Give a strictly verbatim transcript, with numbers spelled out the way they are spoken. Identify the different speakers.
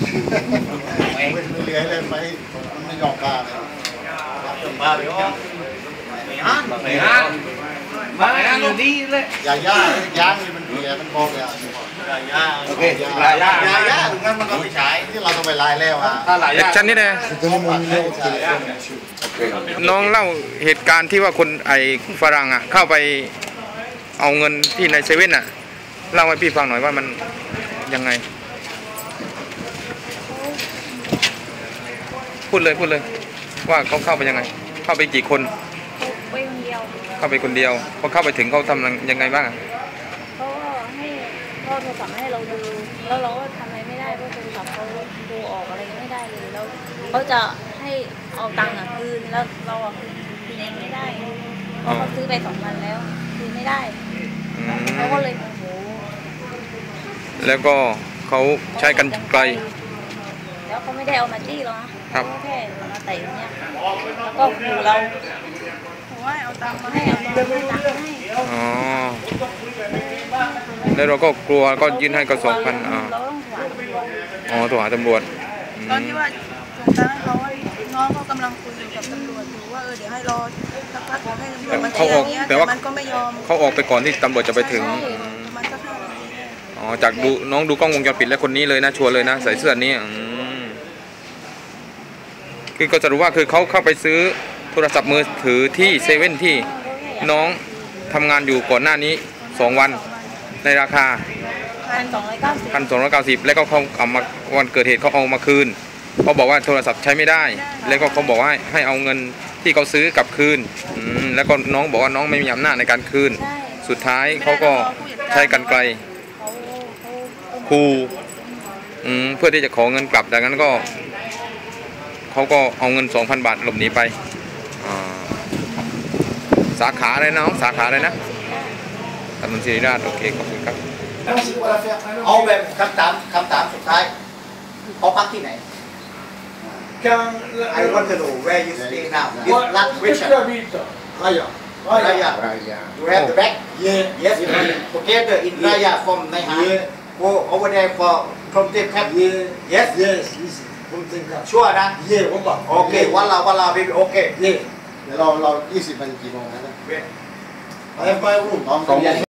Speaker 1: ไม่เลื้อยเลยไปไม่ยอมกล้าเลยมาเดี๋ยวไม่ฮันไม่ฮันมาอยู่ดีเลยยาย่าย่างนี่มันเบียมันบอกเลยยาย่าโอเคยาย่ายาย่าถึงงั้นมันก็ไม่ใช้ที่เราต้องไปไล่แล้วอ่ะ
Speaker 2: แอคชั่นนี่นะน้องเล่าเหตุการณ์ที่ว่าคนไอ้ฝรั่งอ่ะเข้าไปเอาเงินที่ในเซเว่นอ่ะเล่าให้พี่ฟังหน่อยว่ามันยังไงพูดเลยพูดเลยว่าเขาเข้าไปยังไงเข้าไปกี่คน
Speaker 3: ไปคนเดียว
Speaker 2: เข้าไปคนเดียวพอเข้าไปถึงเขาทำยังไงบ้าง
Speaker 3: เขาก็ให้เขาโทรศัพท์ให้เราดูแล้วเราก็ทำอะไรไม่ได้เพราะโทรศัพท์เขาดูออกอะไรไม่ได้เลยแล้วเขาจะให้เอาตังค์คืนแล้วเราคืนคืนเองไม่ได้เพราะเขาซื้อไปสองพันแล้วคืนไม่ได้เขาก็เลยโมโห
Speaker 2: แล้วก็เขาใช้กันไกล
Speaker 3: แล้วเขาไม่ได้เอามาจี้หรอกนะเขาแค่มาเตะเนี่ยแล้วก็ขู่เราให้เอาตังค์มาให้เอาตังค์ให้ตังค์ให้
Speaker 2: อ๋อแล้วเราก็กลัวก็ยื่นให้กระสอบพันอ๋ออ๋อโทรหาตำรวจ
Speaker 4: ตอนที่ว่าส่งตังค์ให้เขาน้องเขากำลังคุยกับตำรวจอยู่ว่าเออเดี๋ยวให้รอสักพักให้ตำรวจมาเขาออกแต่ว่ามันก็ไม่ยอม
Speaker 2: เขาออกไปก่อนที่ตำรวจจะไปถึง
Speaker 4: มันก็ห้านาที
Speaker 2: อ๋อจากดูน้องดูกล้องวงจรปิดแล้วคนนี้เลยนะชัวร์เลยนะใส่เสื้อนี้คือก็จะรู้ว่าคือเขาเข้าไปซื้อโทรศัพท์มือถือที่เซเว่นที่น้องทำงานอยู่ก่อนหน้านี้สองวันในราคา
Speaker 3: พันสองร้อยเก้าสิบ
Speaker 2: พันสองร้อยเก้าสิบแล้วก็เขาเอามาวันเกิดเหตุเขาเอามาคืนเขาบอกว่าโทรศัพท์ใช้ไม่ได้แล้วก็เขาบอกว่าให้เอาเงินที่เขาซื้อกลับคืนแล้วก็น้องบอกว่าน้องไม่มีอำนาจในการคืนสุดท้ายเขาก็ใช้กรรไกรคูเพื่อที่จะขอเงินกลับดังนั้นก็เขาก็เอาเงิน สองพัน บาทหลบหนีไปสาขาอะไรน้องสาขาอะไรนะถนนศิริราชโอเคขอบคุณครับ
Speaker 1: เอาแบบคำถามคำถามสุดท้ายเขาพักที่ไหน I want to know where you stay now this last question Raya Raya you have the bag yes together in Raya from Naihan go over there for from the cap yes yesชัวร์นะเย่ผมบอกโอเควันเราวันเราพี่โอเคเย่เดี๋ยวเราเรายี่สิบนาทีกี่โมงนะเว้ยไปไปรุ่งสอง